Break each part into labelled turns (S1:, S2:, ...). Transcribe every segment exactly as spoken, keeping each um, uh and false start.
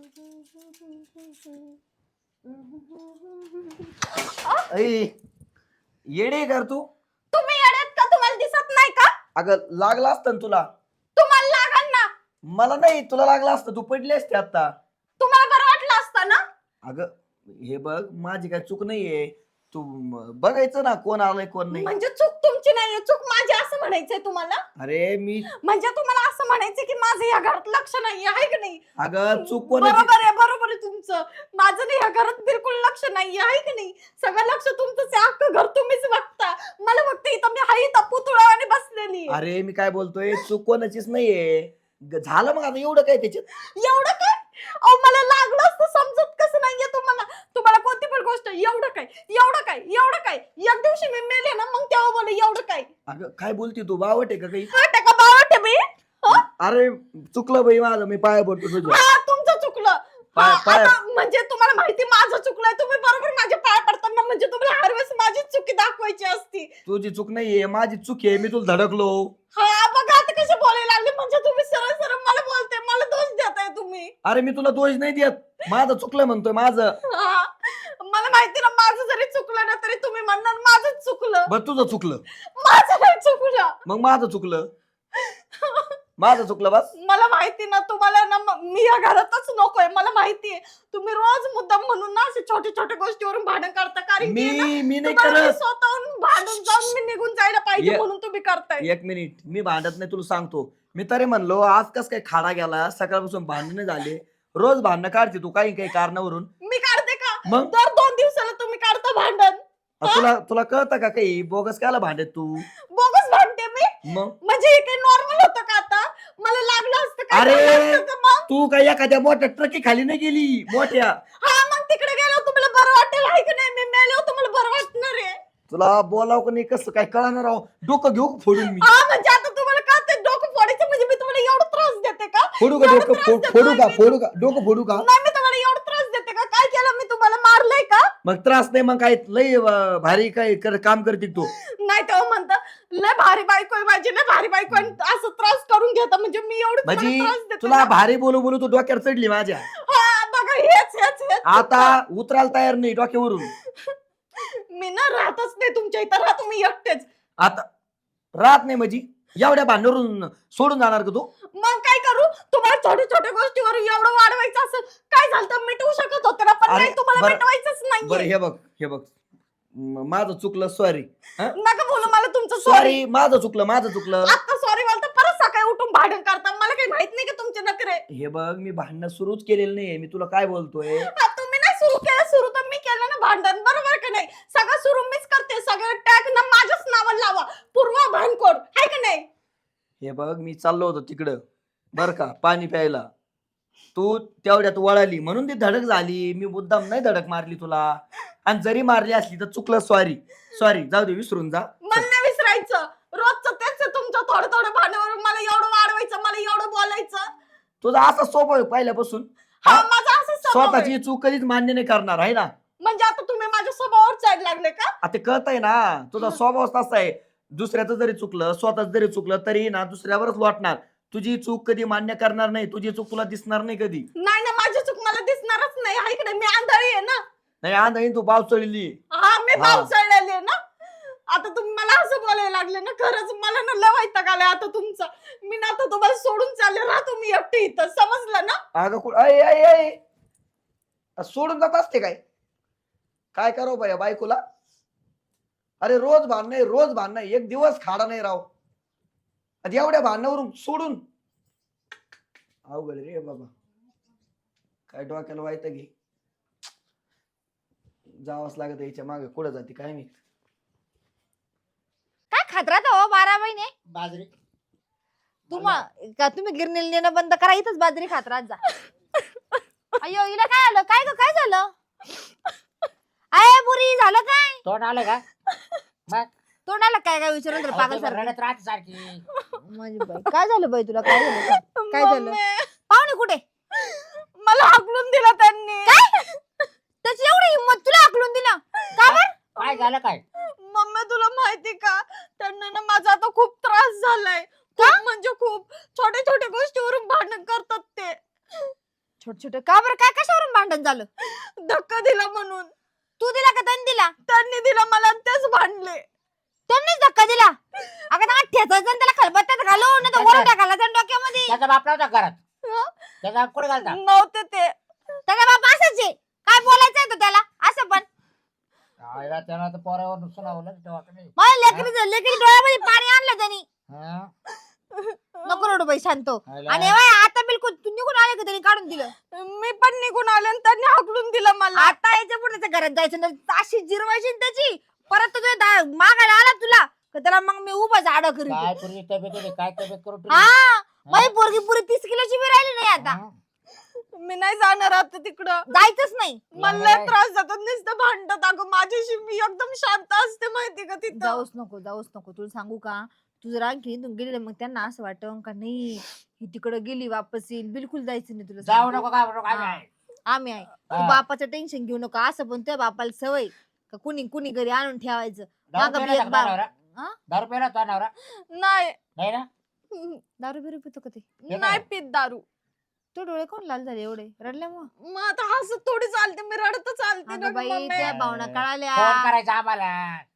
S1: येडे कर तू.
S2: तुम्ही येड्यात का? तुम्हाला दिसत नाही का?
S1: अगं लागला असतं ना तुला.
S2: तुम्हाला लागल ना.
S1: मला नाही, तुला लागला असतं, तू पडली असते आता.
S2: तुम्हाला बरं वाटलं असतं ना.
S1: अगं हे बघ, माझी काय चूक नाहीये. तू बघायचं ना कोण आलंय कोण नाही.
S2: म्हणजे चूक तुमची नाहीये, चूक माझी असं म्हणायचंय तुम्हाला?
S1: अरे मी
S2: म्हणजे तुम्हाला असं म्हणायचं की माझं या घरात लक्ष नाही आहे की नाही?
S1: अगं चूक कोणाची?
S2: बरोबर आहे, बरोबर आहे तुमचं. माझं नाही या घरात बिलकुल लक्ष नाही आहे की नाही? सगळं लक्ष तुमचंच आहे, अख्खं घर तुम्हीच बघता. मला फक्त इथं मी हाई इथं पुतळ्यावाने बसलेली.
S1: अरे मी काय बोलतोय, चूक कोणाचीच नाहीये. ग- झालं मग आता एवढं काय त्याच्यात?
S2: एवढं काय? अहो मला लागलं असतं, समजत कसं नाहीये तुम्हाला? तुम्हाला कोणती पण गोष्ट एवढं काय एवढं काय एवढं काय? एक दिवशी मी मेले ना, मग तेव्हा बोल एवढं काय?
S1: अगं काय बोलती तू, बावट आहे का काही?
S2: वाटतं का बावट आहे मी? हं?
S1: अरे चुकलं बाई माझं, मी पाया पडतो तुझ्या.
S2: हा तुमचं चुकलं. हा,
S1: पाय- पाय-
S2: आता म्हणजे तुम्हाला माहिती माझं चुकलंय, तुम्ही बरोबर माझे पाय पडताना म्हणजे तुम्हाला हर वेळेस माझी चुकी दाखवायची असती.
S1: तुझी चूक नाहीये, माझी चूक आहे, मी तुला धडकलो.
S2: हा बघा आता कसे बोलायला लागले, म्हणजे तुम्ही सरळ सरळ मला बोलते, मला दोष देताय तुम्ही.
S1: अरे मी तुला दोष नाही देत, माझं चुकलं म्हणतोय माझं.
S2: हा, मला माहिती ना माझं जरी चुकलं ना तरी तुम्ही म्हणणार माझंच चुकलं.
S1: बरं तुझं चुकलं,
S2: माझं नाही चुकलं.
S1: मग माझं चुकलं, माझं चुकलं बस.
S2: मला माहिती ना तुम्हाला ना, म- मी या घरातच नकोय. मला माहितीये तुम्ही रोज मुद्दाम म्हणून ना असे छोट्या छोट्या गोष्टीवरून भांडण करता, कारण की ना,
S1: मी मी नाही
S2: तुम्हाला मी
S1: करत.
S2: स्वतःहून भांडून जाऊन मी निघून जायला पाहिजे
S1: ये-
S2: म्हणून तुम्ही करताय.
S1: एक मिनिट, मी भांडत नाही, तुला सांगतो. मी तरी म्हणलो आज कस काय खाडा गेला, सकाळपासून भांडणे झाले. रोज भांडणं काढते तू काही काही कारणावरून.
S2: मी काढते का?
S1: मग
S2: दर दोन दिवसाला तुम्ही काढता भांडण.
S1: अ, तुला तुला कळतं का काही बोगस कायला भांडत तू?
S2: बोगस भांडते मी?
S1: मग
S2: म्हणजे हे काही नॉर्मल होतं का आता? मला लागलं असतं काय
S1: अरे!
S2: झालं असतं का मग?
S1: तू काय एखाद्या मोठ्या ट्रकी खाली नाही गेली मोठ्या?
S2: हा मग तिकडे गेल्यावर तुम्हाला बरं वाटेल आहे की नाही? मी मेल्यावर तुम्हाला बरं वाटणार आहे.
S1: तुला बोलाव का नाही कसं काय कळणार राव, डोकं घेऊ का फोडून मी?
S2: हा म्हणजे आता तुम्हाला का ते डोकं फोडायचं, म्हणजे मी तुम्हाला एवढा त्रास देते का?
S1: फोडू का
S2: एवढा
S1: डोकं?
S2: त्रास
S1: फो-
S2: देते
S1: फोडू का
S2: मी?
S1: फोडू का डोकं फोडू का?
S2: नाही मी तुम्हाला एवढा त्रास देते का? काय केलं मी तुम्हाला? मारलंय का?
S1: मग त्रास नाही मग काय लय अं, भारी काय कर- काम करते तू.
S2: नाही तेव्हा म्हणता लय भारी बायको आहे माझी, लय भारी बायको आहे, आणि असं त्रास करून घेता म्हणजे मी एवढं तुम्हाला
S1: म्हणजे
S2: त्रास देते
S1: तुला
S2: ना?
S1: भारी बोलू बोलू तू डोक्यावर चढली माझ्या.
S2: हा बघा हेच हेच हेच
S1: आता उतरायला तयार नाही डोक्यावरून.
S2: मी ना राहतच नाही तुमच्या इथं, राहा तुम्ही एकटेच.
S1: आता राहत नाही म्हणजे एवढ्या भांडवरून सोडून जाणार का तू?
S2: मग काय करू? तुम्हाला छोट्या छोट्या गोष्टीवर एवढं वाढवायचं असं काय झालं तर मिटवू शकत होते ना, पण
S1: अरे,
S2: नाही तुम्हाला
S1: बरं-
S2: मिटवायचंच
S1: बरं
S2: नाही.
S1: हे बघ हे बघ म- माझं चुकलं, सॉरी.
S2: नका बोलू मला तुमचं सॉरी.
S1: सॉरी, माझं चुकलं माझं चुकलं.
S2: आता सॉरी बोलता परत सकाळी उठून भांडण करता, मला काही माहित नाही का तुमचे नखरे?
S1: हे बघ मी भांडणं सुरूच केलेलं नाहीये, मी तुला काय बोलतोय.
S2: हा, तुम्ही नाही सुरू केलं, सुरू तर मी केलं ना भांडण, बरोबर का नाही? सगळं सुरू मीच करते, सगळं टॅग ना माझ्याच नावाला लावा, पूर्वा भानकोड आहे का नाही?
S1: हे बघ मी चाललो होतो तिकडं बर का पाणी प्यायला, तू तेवढ्यात वळाली म्हणून ती धडक झाली. मी मुद्दाम नाही धडक मारली तुला, आणि जरी मारली असली तर चुकलं, सॉरी सॉरी, जाऊ दे विसरून जा.
S2: मन नाही विसरायचं, रोजचं तेच आहे तुमचं, थोडं थोडं भांडणावरून मला एवढं वाढवायचं, मला एवढं बोलायचं.
S1: तुझा असा सोपं आहे पहिल्यापासून.
S2: हा
S1: हा?
S2: माझा असं स्वभाव आहे.
S1: स्वतःची चूक कधीच मान्य नाही करणार आहे ना.
S2: म्हणजे आता तुम्ही माझ्या स्वभावावर चाड लागले का?
S1: आता कळतंय ना, तुझा स्वभाव तसा आहे. दुसऱ्याचं जरी चुकलं, स्वतःच जरी चुकलं तरी ना दुसऱ्यावरच लोटणार. तुझी चूक कधी मान्य करणार नाही, तुझी चूक तुला दिसणार नाही कधी.
S2: नाही ना, माझी चूक मला दिसणारच नाही आहे की नाही? मी आंधळी आहे ना.
S1: नाही आंधळी तू बाव चढली.
S2: हा मी
S1: हा.
S2: भाव चढलेली आहे ना. आता तुम्ही मला असं बोलायला लागले ना, खरंच मला ना लय वैताग आलाय आता तुमचा. मी ना आता तुम्हाला सोडून चालले, राहा तुम्ही एकटे इथं, समजलं ना?
S1: अगं कुठं अय अय अय सोडून जात असते काय? काय करावं बाया बायकोला? अरे रोज भांडण आहे, रोज भांडण आहे, एक दिवस खाडा नाही राव. आता एवढ्या भांडणावरून सोडून अवघड रे बाबा. काय डोक्याला वायतं घे, जावंच लागत याच्या मागे. कुठं जाते काय मी.
S3: काय खात्रात हो बारा महिने
S4: बाजरी
S3: तुम्हा का तुम्ही गिरणीला नेणं बंद करा, इथंच बाजरी खात्रात जा. अयो हिला काय आलं? काय ग काय झालं? अय बुरी झालं काय?
S4: तोंड आलं का? मग
S3: तोंडाला काय काय विचारून तर पागल सारखं.
S4: रडत राहते सारखी.
S3: माझी बाई, काय झालं बाई तुला? काय झालं? काय झालं?
S2: मम्मी,
S3: पाहुणे कुठे?
S2: मला हाकलून दिला त्यांनी.
S3: काय? त्याची एवढी हिंमत, तुला हाकलून दिला का बरं?
S4: काय झालं काय?
S2: मम्मी तुला माहिती का, त्यांना ना माझा आता खूप त्रास झालाय. खूप म्हणजे खूप छोट्या छोट्या गोष्टीवरून भांडण करतात ते.
S3: छोट्या छोट का बरं काय कशावरून भांडण झालं?
S2: धक्का दिला म्हणून.
S3: तू दिला का त्यांनी दिला?
S2: त्यांनी दिला मला आणि तेच भांडले.
S3: त्यांनीच धक्का दिला? अगं त्याला ठेचायचं आणि त्याला खलबत्त्यात घालून नाही तर वर टाकायला त्या डोक्यामध्ये.
S4: त्याचा बाप नव्हता घरात.
S2: हं?
S4: त्याचा बाप कुठे घालता?
S2: नव्हते ते.
S3: त्याचा बाप असाच आहे. काय बोलायचं आहे तो त्याला असं पण?
S4: आईला त्यानं तर पोरावर नुकसान आवलं तेव्हा का नाही.
S3: मला लेकरी लेकरी डोळ्यामध्ये पाणी आणलं त्यांनी.
S4: हं?
S3: नको रडू बाई शांत हो.
S4: आईला-
S3: आणि बाई आता बिलकुल तू निघून आले का त्यांनी काढून दिलं?
S2: मी पण निघून आले आणि त्यांनी हाकलून दिलं मला.
S3: आता याच्या पुढे त्याच्या घरात जायचं नाही. अशी जिरवायची ना त्याची. परत तुझ्या दा- मागायला आला तुला का त्याला मग मी उभाच आड
S4: काय
S3: करीन.
S4: पूर्वी तब्येत होती, काय तब्येत करून ठेवली?
S3: हा बाई पोरगी पुरी तीस किलोची बी राहिली नाही आता.
S4: हं?
S2: मी नाही जाणार आता तिकडं.
S3: जायचंच नाही.
S2: मला लय त्रास जातात नुसतं भांडत. अगं माझ्याशी मी एकदम शांत असते माहिती का तिथं.
S3: जाऊच नको जाऊच नको. तुला सांगू का तू जर आणखी इथून गेली मग त्यांना असं वाटतं का नाही ही तिकडे गेली वापस येईल. बिलकुल जायचं नाही तुला
S4: जाऊ
S3: सांगते.
S4: नको का नको, आम्ही
S3: हा.
S4: आहे.
S3: आम्ही आहे. तू
S4: हा.
S3: बापाचं टेन्शन घेऊ नको. असं पण तुझ्या बापाला सवय का कुणी कुणी घरी आणून ठेवायचं.
S4: दारू
S3: मागं
S4: प्यायला
S3: बी एक
S4: होता का
S3: बा-
S4: नवरा?
S3: हा?
S4: दारू प्यायला होता नवरा?
S2: नाही
S4: नाही ना?
S3: दारू बिरू पितो का ते?
S2: नाही पित दारू.
S3: तो डोळे कोण लाल झाले एवढे रडल्यामुळे?
S2: मग आता हसत थोडी चालते. मी रडत चालते ना
S3: अगं बाई
S2: मम्मी.
S3: त्या भावना कळाल्या.
S4: फोन करायचा आम्हाला.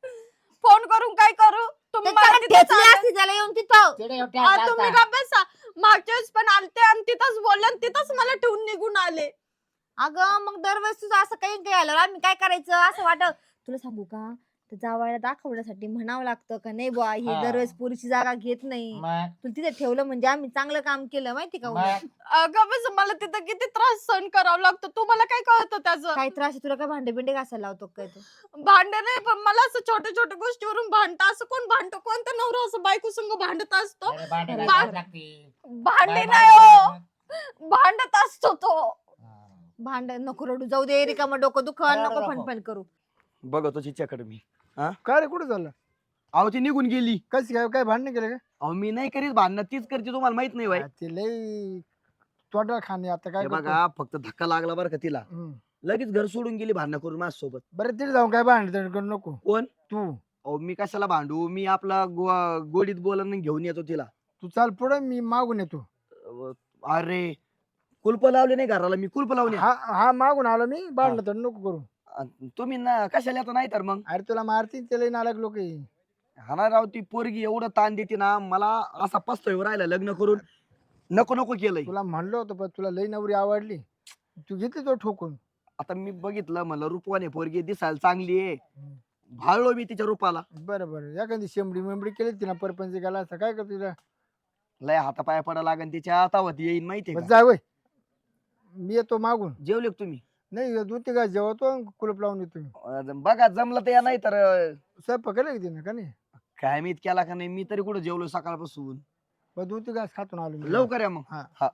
S2: फोन करून काय करू? तुम्ही मला
S3: त्याच्याकडे
S2: तिथं
S3: ठेचली
S2: चालले.
S3: असती त्याला येऊन तिथं.
S4: तिकडे येऊन
S2: आ,
S4: ठेवता
S2: तुम्ही
S4: आता.
S2: का बसा. मागच्या वेळेस पण आलते आणि तिथंच बोलले आणि तिथंच मला ठेवून निघून आले.
S3: अगं मग दरवेळेस तुझं असं काही काही आलं आम्ही काय करायचं असं वाटत. तुला सांगू का तर जावायला दाखवण्यासाठी म्हणावं लागतं का नाही बुवा ही
S4: हा.
S3: दरवेळेस पुरीची जागा घेत नाही.
S4: मग
S3: तुला तिथे ठेवलं म्हणजे आम्ही चांगलं काम केलं माहिती का उलट.
S4: मग
S2: अगं बस मला तिथं किती त्रास सहन करावा लागतो. तुम्हाला काय कळतं त्याचं?
S3: काय त्रास आहे तुला? काय भांडे बिंडे घासायला लावतो काय तू?
S2: भांडे नाही पण मला असं छोट्या छोट्या गोष्टीवरून भांडतं. असं कोण भांडतो? कोणता नवरा असं बायको संग भांडत असतो?
S4: अरे भांडे
S3: बा-
S4: घासावे लागतील.
S2: भांडे
S4: बाय-
S2: नाही
S4: बाय-
S2: हो. भांडत असतो तो.
S4: हा.
S3: भांड नको रडू जाऊ दे रिकामं डोकं दुखन
S4: रडू
S3: नको
S4: नको.
S3: फणफण करू.
S1: बघतो तिच्याकडे मी.
S5: काय रे कुठे चाललं?
S1: अहो ती निघून गेली.
S5: कशी काय काय भांडण केलं का?
S1: अहो मी नाही करीत भांडणं, तीच करते. तुम्हाला माहित नाही बाई.
S5: आ, ते लई तोंडाला खाणे आता काय
S1: हे
S5: करतो?
S1: बघा फक्त धक्का लागला बरं का तिला,
S5: हम्म.
S1: लगेच घर सोडून गेली भांडणं करून माझ्यासोबत.
S5: बरं तिथे जाऊन काय भांडण करू नको
S1: कोण?
S5: तू.
S1: अहो मी कशाला भांडू? मी आपला गो- गोडीत बोलून घेऊन येतो तिला.
S5: तू चाल पुढे मी मागून येतो.
S1: अहो, अरे कुलप लावले नाही घराला, मी कुलप लावले.
S5: हा हा मागून आलो मी भांडण तर नको करू.
S1: तुम्ही ना कशाला येता नाही तर मग.
S5: अरे तुला मारतील त्याला नालायक लोक.
S1: हा ना राव, ती पोरगी एवढं ताण देते ना मला, असा पस्तोय राहिला लग्न करून. नको नको केलंय.
S5: तुला म्हणलं होतं पण तुला लई नवरी आवडली, तू घेतली तो ठोकून.
S1: आता मी बघितलं म्हणलं रूपवाने पोरगी दिसायला चांगली आहे, भाळलो मी तिच्या रूपाला.
S5: बरं बरं एखादी शेंबडी मेंबडी केली तिला परपंच गेला असं काय करतो तुला?
S1: लय हातापाया पडा लागन तिच्या हातावत येईन माहितीये
S5: बरं
S1: का?
S5: जा वय, मी येतो मागून.
S1: जेवले का तुम्ही?
S5: नाही दूध ते काय जेवतो कुलप लावून येतो मी.
S1: अं, बघा जमलं तर या, नाही तर अं,
S5: स्वयंपाक केला की तिने का नाही?
S1: काय मी केला का नाही, मी तरी कुठं जेवलो सकाळपासून.
S5: बरं दूध ते घास खातून आलो मी.
S1: लवकर या मग.
S5: हा.
S1: हा.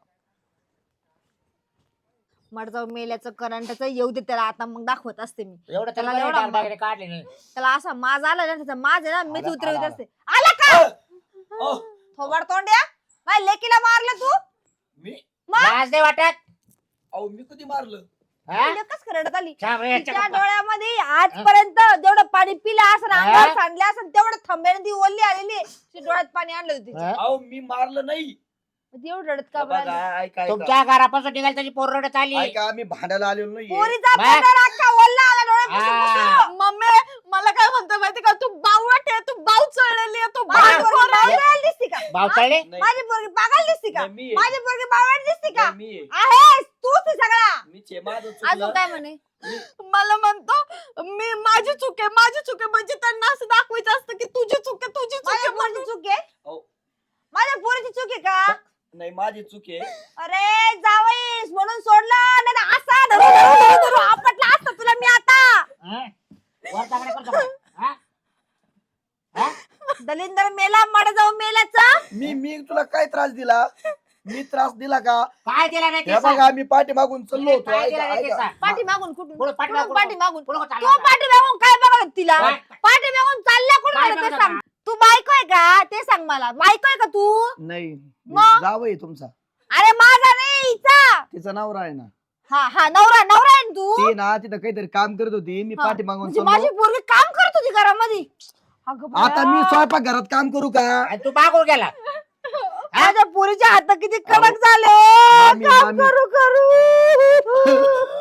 S3: मड जाऊ मेल्याचं करंटाचं येऊ दे त्याला आता मग दाखवत असते मी.
S4: एवढं
S3: त्याला
S4: त्याला
S3: एवढा
S4: दागदागिने काढले नाही.
S3: त्याला असा माज आला ना त्याचा माज आहे ना मीच
S4: आला,
S3: उतरवित
S4: आला,
S3: असते. आला का
S1: अहो,
S3: थोबाड तोंड्या माझ्या लेकीला मारलं तू.
S1: मी
S4: लाज नाही वाटत?
S1: अहो मी कधी मारलं?
S4: हा?
S3: कस रडत आली
S4: छान रे,
S3: तिच्या
S4: याच्या-
S3: डोळ्यामध्ये आजपर्यंत जेवढं पाणी पिलं असं
S4: हा?
S3: अंगावर सांडलं असं तेवढं थांब्याने ती ओली आलेली आहे. तिच्या डोळ्यात पाणी आणलं होतं तिच्या.
S4: हा?
S1: अहो मी मारलं नाही.
S3: मग ती एवढं रडत का बरं
S1: बघा,
S3: आली?
S1: ऐका, ऐका.
S4: तुमच्या घरापासून निघाल त्याची पोर रडत आली.
S1: ऐका, आम्ही भांडायला आलेलो नाहीये.
S3: पोरीचा
S4: बा-
S3: पदर अख्खा ओला आला डोळ्यापासून
S4: हा.
S3: पुसून.
S2: मम्मी मला काय म्हणतो माहिती का? तू बावट आहे. तू बाव चढलेली आहे. तू
S3: माझी
S2: बाव
S3: पोरगी
S2: खोर आहे.
S3: बावळट दिसती का?
S4: भाव चढले?
S1: नाही,
S3: माझी पोरगी पागल दिसती का?
S1: नाही, मी आहे.
S3: माझी पोरगी बावळट दिसती का?
S1: नाही, मी आहे.
S3: आहेस तूच आहे सगळा.
S1: मीच आहे, माझं
S3: अजून
S1: चुकलं.
S3: काय म्हणे?
S2: मला म्हणतो मी माझी चूक आहे माझी चूक आहे. म्हणजे त्यांना असं दाखवायचं असतं की तुझी चूक आहे तुझी चूक
S3: माझ्या
S2: आहे
S3: पोरीची
S2: म्हणून.
S3: चूक आहे?
S1: अहो,
S3: माझ्या पोरीची चूक आहे का?
S1: नाही माझी चूक आहे.
S3: अरे जावईस म्हणून सोडलं नाही तर असा धरू धरू धरू धरू आपटला असतं तुला मी आता.
S4: हा? वर तांगड्या करतो का? हा? हा?
S3: दलिंदर मेला मड जाऊ मेल्याचा.
S1: मी मी तुला काय त्रास दिला? मी त्रास दिला का?
S4: काय दिला नाही
S1: हे
S4: ते सांग.
S1: बघा मी पाठी मागून चाललो होतो.
S4: काय
S1: ऐका,
S4: दिला नाही ते
S1: ऐका.
S4: सांग.
S3: पाठी मागून कुठून
S4: पुढं पाठी
S3: कुठून
S4: मागून.
S3: पाठी मागून
S4: पुढं
S3: तू
S4: चालला होता.
S3: पाठी मागून काय बघत तिला
S4: काय?
S3: पाठी मागून चालल्या कुठं
S4: काय
S3: मला ते
S4: बघत
S3: सांग. तू बायको आहे का ते सांग मला. बायको आहे का तू?
S1: नाही
S3: मग?
S1: जावई तुमचा,
S3: अरे माझा नाही हिचा.
S1: तिचा नवरा आहे ना.
S3: हा हा नवरा नवरा आहे ना तू.
S1: ती ना तिथं काहीतरी काम करत होती, मी
S3: हा,
S1: पाठी मागून
S3: म्हणजे माझी
S1: चाललो.
S3: पोरगी काम करत होती घरामध्ये. अगं
S1: आता मी
S3: बाया.
S1: स्वयंपाक घरात काम करू का?
S4: आणि तू मागून गेला.
S3: माझ्या पोरीचे हात किती कडक झाले
S1: मामी,
S3: काम
S1: मामी.
S3: करू करू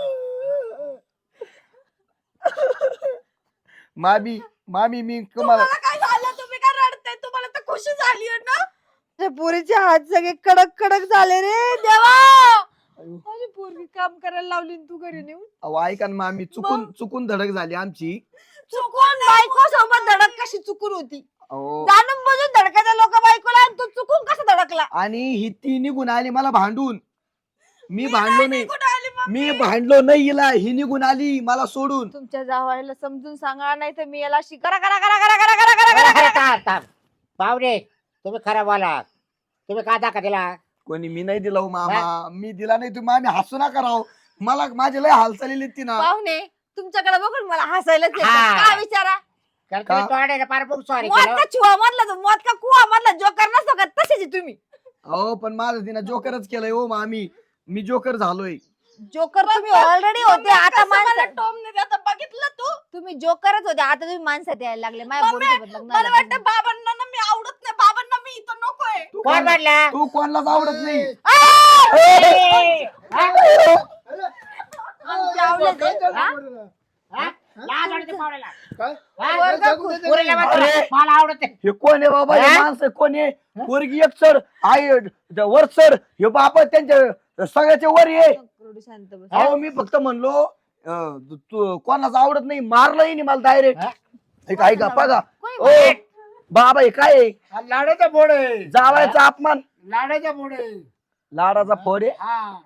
S1: मामी मामी मी तुम्हाला
S2: तुम्हाला काय झालं तुम्ही काय रडताय तुम्हाला तर खुशी झाली ना
S3: माझ्या पोरीचे हात सगळे कडक कडक झाले रे देवा माझी पोरगी काम करायला लावली आणि तू घरी नेऊन
S1: अहो, ऐका ना मामी चुकून चुकून धडक झाली आमची.
S3: चुकून बायको सोबत धडक कशी चुकून होती
S1: अहो,
S3: जाणून बुजून धडकायचा लोक बायकोला आणि तू चुकून कसं धडकला
S1: आणि ही ती निघून आली मला भांडून. मी भांडलो नाही
S2: कुठं आली मग
S1: मी भांडलो नाही हिला, ही निघून आली मला सोडून.
S3: तुमच्या जावायला समजून सांगा नाही तर मी याला शिकरा करा करा करा करा करा करा करा
S4: अरे थांब, थांब. पाहुणे तुम्ही खरं बोला तुम्ही का दाखा दिला
S1: कोणी मी नाही दिला हो मामा, मी दिला नाही. तुम्ही मामी हसू नका राव, मला माझे लय हालचाली ती ना.
S3: पाहुणे तुमच्याकडे बघून मला हसायलाच येतं.
S4: हा.
S3: का विचारा
S4: कारण
S1: का?
S4: तुम्ही तोंडाने फार बुक सॉरी
S3: मौत
S4: केलं
S3: का चुहा मधला तो मौत का कुवा मधला जोकर नसतो का तसेच आहे तुम्ही
S1: अहो पण माझं तिनं जोकरच केलंय हो मामी, मी जोकर झालोय.
S3: जोकर तुम्ही ऑलरेडी होते आता
S2: कसं मला
S3: माणसं
S2: टॉम ने आता बघितलं तू
S3: तुम्ही जोकरच होते आता तुम्ही माणसात यायला लागले माझ्या
S2: मम्मी,
S3: पोरीसोबत लग्न
S2: मला
S3: झालं.
S2: वाटतं बाबांना ना मी आवडत नाही बाबांना मी इथं नकोय
S1: तू
S4: कोण
S1: कोणाला-
S4: म्हणला
S1: तू कोणालाच आवडत नाही.
S4: ए!
S3: आमचे आवडे ते, हा?
S4: हा? लाज वाटते पाहुण्याला.
S5: काय?
S4: हा?
S3: वर्ग खूप-
S4: पोरीला म्हणतो,
S1: अरे!
S4: मला आवडत नाही.
S1: हे कोण आहे बाबा, हे
S4: हा?
S1: माणसं कोण आहे? पोरगी एक सर आई वर सर, हे बाबा त्यांच्या सगळ्याचे वर आहे.
S3: थोडी शांत बस.
S1: अहो मी फक्त म्हणलो अं, तू कोणाच आवडत नाही, मारलंही नाही मला डायरेक्ट.
S4: हा?
S1: ऐका बघा
S3: कोणी
S1: ओ बाबा हे काय आहे?
S5: हा लाडाचा बोड आहे,
S1: जावायचा अपमान,
S5: लाडाचा बोड आहे.
S1: लाडाचा फोड आहे.
S5: हा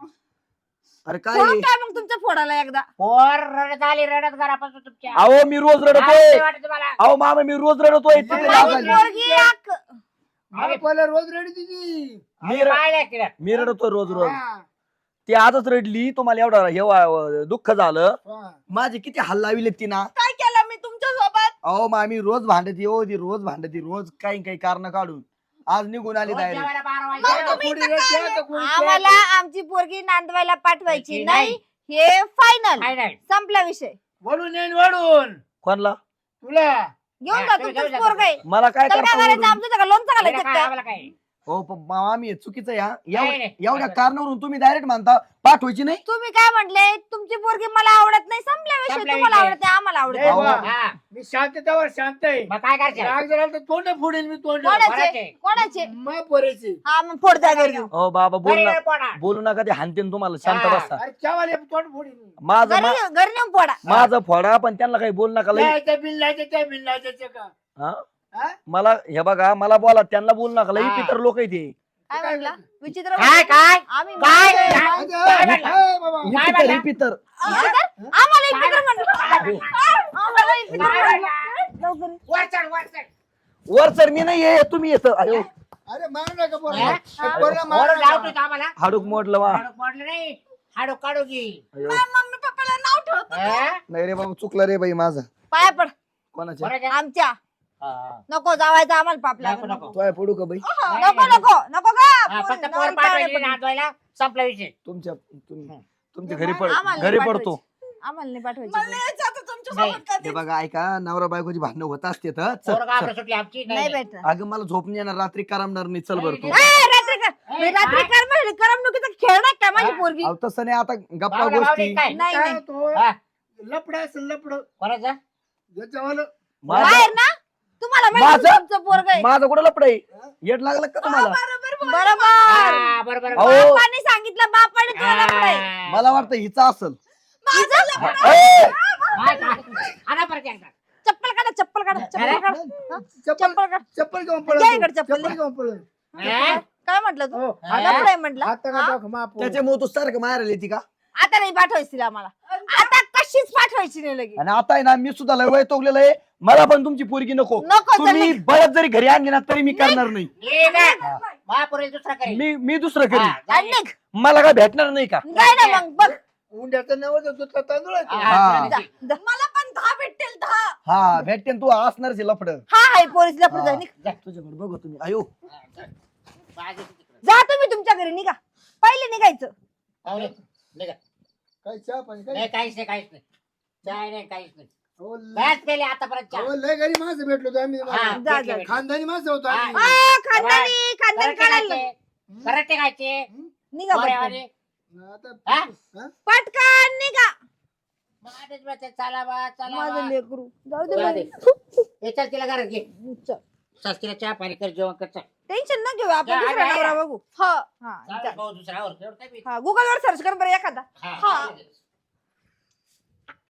S1: अरे काय
S3: फोडून
S1: आहे?
S3: काय मग तुमच्या फोडाला एकदा
S4: पोर रडत आली रडत घरापासून तुमच्या
S1: अहो मी रोज
S4: लाज
S1: रडतोय.
S4: नाही वाटत मला.
S1: अहो मामा मी रोज रडतोय. तिथे
S5: माझी
S1: राग
S3: माझी
S1: आली.
S3: पोरगी एक-
S5: मला पहिलं रोज रेडी तिची.
S1: मी र-
S4: पाहिलंय तिला.
S1: मी रडतोय रोज रोज.
S5: हा,
S1: ती आजच रडली, तुम्हाला एवढा हे वा- दुःख झालं.
S5: हा.
S1: माझी किती हल्ला लाविले ती ना.
S2: काय केलं मी तुमच्या सोबत
S1: अहो मामी रोज भांडती हो, ती रोज भांडती रोज काही काही कारण काढून. आज निघून आली
S4: रोज
S1: डायरेक्ट.
S4: जेवायला बारा
S2: मग
S4: वाजले.
S2: तुम्ही
S5: कोणी
S2: इथं
S5: रेडी
S2: काय
S5: आहे, तर कोणी
S3: आम्हाला आमची पोरगी नांदवायला पाठवायची
S4: नाही.
S3: नाही हे फायनल
S4: फायनल.
S3: संपला विषय
S5: वळून येईन वळून
S1: कोणला
S5: तुला.
S3: घेऊन
S4: हा,
S3: जा
S4: तुम्ही
S3: तुमचं
S4: घेऊन जा
S3: पोरग आहे
S1: मला काय
S3: त्याला काय
S1: करता
S3: करायचं
S1: ओरडून?
S3: आमचं का लोणचं
S4: तिला
S3: घालायचं
S4: काय
S3: काय
S4: आम्हाला काय
S1: हो पण मामी हे चुकीचं या
S4: नाही,
S1: एवढ्या
S4: नाही.
S1: एवढ्या
S4: असं-
S1: कारणावरून तुम्ही डायरेक्ट म्हणता पाठवायची नाही.
S3: तुम्ही काय म्हटले तुमची पोरगी मला आवडत नाही संपला विषय
S4: संपला
S3: तुम्हाला
S4: विषय.
S3: आवडते आम्हाला आवडत
S5: नाही
S3: नाही.
S5: बा.
S4: हा.
S5: मी शांततेवर शांत आहे.
S4: मग काय करायचं
S5: राग जर आला तर तोंड फोडेल मी तोंड.
S3: कोणाचे
S4: कोणाचे?
S3: कोणाचे
S5: मग पोरायची.
S3: हा मग फोड जा घरी घेऊन.
S1: हो बाबा बोलू
S4: घरी
S1: नका
S4: पोडा.
S1: बोलू नका, ते हानतेन तुम्हाला. शांत
S4: हा.
S1: बसा.
S5: अरे चावाले तोंड फोडेल मी.
S1: माझं
S3: घरी
S1: मा-
S3: घेऊन- घरी नेऊन फोडा
S1: माझं फोडा, पण त्यांना काही बोलू नका लई.
S5: नाही, त्या बिल लायचं त्या बिल लायचं का.
S1: हा?
S5: हा?
S1: मला हे बघा मला बोला, त्यांना बोलू नका लई.
S4: हा.
S1: पितर लोक आहे ते.
S3: काय म्हणला विचित्र
S4: काय काय
S3: आम्ही
S4: काय?
S3: म्हणतोय,
S4: काय?
S3: माणसं-
S5: अरे,
S4: म्हणला?
S5: ए बाबा.
S1: हे
S4: काय
S1: पितर
S4: म्हणला?
S1: हे पितर
S3: विचित्र? आम्हाला विचित्र म्हणलं. आम्हाला विचित्र
S4: काय
S3: म्हणलं.
S4: म्हणला?
S3: लवकर.
S4: वर चढ, वर चढ.
S1: वर सर मी नाही आहे, तुम्ही येत. अयो
S5: अरे मारू नका पोरं.
S4: हा?
S5: पोरं मारू
S4: वर
S5: नका.
S4: लावतो तो आम्हाला
S1: हाडूक मोडलं वा.
S4: हाडूक मोडलं नाही हाडूक काढू की
S1: अयो.
S2: मम्मी पप्पाला नाव ठेवतो
S4: हा?
S1: नाही रे बाबा चुकलं रे बाई माझं.
S3: पाया पड
S1: कोणाच्या
S4: बरं का?
S3: आमच्या
S4: हा.
S3: नको जावायचं आम्हाला पाप
S4: नको,
S3: लागेल
S4: नको.
S1: तोय पडू का बाई?
S3: नको नको नको का
S4: हा, फक्त
S3: पोरी-
S4: पोर
S3: नवरी
S4: पाठवायची
S3: पाहुणे
S4: नांदवायला संपला विषय
S1: तुमच्या तुम- तुमच्या घरी पड
S3: आम्हाला
S1: घरी
S3: नाही
S1: पडतो.
S3: पाठवायची. आम्हाला नाही
S2: मला
S3: पाठवायची
S2: नाही यायचं आता तुमच्या
S4: नाही.
S2: सोबत
S1: हे
S2: कधी
S1: बघा ऐका, नवरा बायकोची भांडणं होत असते तर चल,
S4: पोरं गावाकडे
S1: चल.
S4: सुटली आमची
S3: नाही
S4: नाही
S3: भेटत
S1: अगं मला झोप नाही येणार, रात्री करमणार नाही. चल बरं तू.
S4: नाही,
S3: ए, रात्री कर
S4: ए,
S3: रात्री
S4: काय?
S3: कर म्हणजे करमणुकीचा खेळ नाही काय माझी
S4: हा?
S3: पोरगी
S1: अहो, तसं नाही आता गप्पा
S4: बावडा, बावडी
S1: गोष्टी.
S4: काय
S3: नाही
S5: काय
S3: नाही
S5: होतो?
S4: हा,
S5: लपड असेल लपड.
S4: कोणाचं?
S5: याच्यावालं.
S1: माझं
S3: बाहेर ना तुम्हाला माहिती
S1: माझं?
S3: तुमचं पोरग आहे
S1: माझं कुठं लपड आहे? येड लागलं का तुम्हाला?
S2: बरोबर बोल.
S3: बरोबर
S4: हा, बरोबर
S1: अहो.
S3: बापाने सांगितलं बापाने तुला लफडं आहे.
S4: हा.
S1: मला वाटतं हिचा असल.
S2: माझं लफडं.
S1: ए!
S4: काय, काय? आणा परत एकदा.
S3: चप्पल काढा चप्पल काढा चप्पल
S4: अरे?
S3: काढा हा?
S5: चप्पल
S3: चप्पल काढ
S5: चप्पल घेऊन
S3: घ्या
S5: पळत.
S3: इकडे चप्पल.
S5: चप्पल घेऊन पळत.
S4: हा?
S3: काय म्हटलं तू
S5: हो,
S4: हा?
S3: लफडं आहे म्हटलं
S5: हात नका
S3: हा?
S5: टाकू, माफ हो.
S1: त्याच्यामुळे तू सारखं मारायला येते का?
S3: आता नाही पाठवायची आम्हाला आता कशीच पाठवायची नाही लगे
S1: आणि आता आहे ना मी सुद्धा लय वैतागलेलो आहे. मला पण तुमची पोरगी नको.
S3: नको तर
S1: तुम्ही बळत जरी घरी आणली ना तरी मी करणार नाही.
S4: ये ना. महापुरेल दुसरा करेल.
S1: मी मी दुसरं करी.
S4: हा, जा
S3: आणि
S4: ये.
S3: निघ.
S1: मला काय भेटणार नाही का?
S3: काय ना मग बघ
S5: उंड्याचं नवं दुधला तांदूळ आहे तो.
S4: हा,
S1: हा.
S3: जा, जा.
S2: मला पण दहा भेटतील दहा
S1: हा भेटते तू असणारच लफड.
S3: हा हाय पोरीस लफडं जा, निघ.
S1: तुझ्याकडे बघू तुम्ही. अयो
S4: हा, जा. बाजू तिकडे.
S3: जा तुम्ही तुमच्या घरी निघा पहिले निघायचं
S4: पाहुणे, निघा.
S5: काय चहा पाणी काय
S4: नाही काहीच नाही काहीच नाही चाय नाही काहीच नाही
S5: अहो, लय-
S4: बॅस पेले आतापर्यंत चहा.
S5: अहो, लय घरी माणसं भेटलो होतो आम्ही
S4: हा,
S3: जा,
S4: भेटले,
S3: जा.
S4: भेटले.
S5: खानदानी माणसं होतो
S4: हा.
S5: आम्ही
S3: आ, खानदानी खानदानी
S4: कराटे
S3: काढायला
S4: खायचे, कराटे खायचे
S3: निघा
S4: बरे
S3: पटकन.
S4: वाले.
S5: आता
S4: हा?
S5: हा?
S3: पटकन निघा
S4: मग आधीच म्हणते, चला बा चला
S3: माझं
S4: बा.
S3: लेकरू जाऊ दे
S4: जाऊ
S3: बाई.
S4: दे. हे चल तिला घरात घे
S3: चल.
S4: चल तिला चहा पाणी कर जेवण कर चल.
S3: टेन्शन न घेऊ आपण
S4: जा,
S3: दुसरा
S4: जा,
S3: नवरा
S4: जा.
S3: बघू हा
S4: चालेल,
S3: हा
S4: भाऊ दुसरा आवर. एवढं काय बी.
S3: हा गुगल वर सर्च कर बरं एखादा
S4: हा,
S3: हा.
S4: चालेल.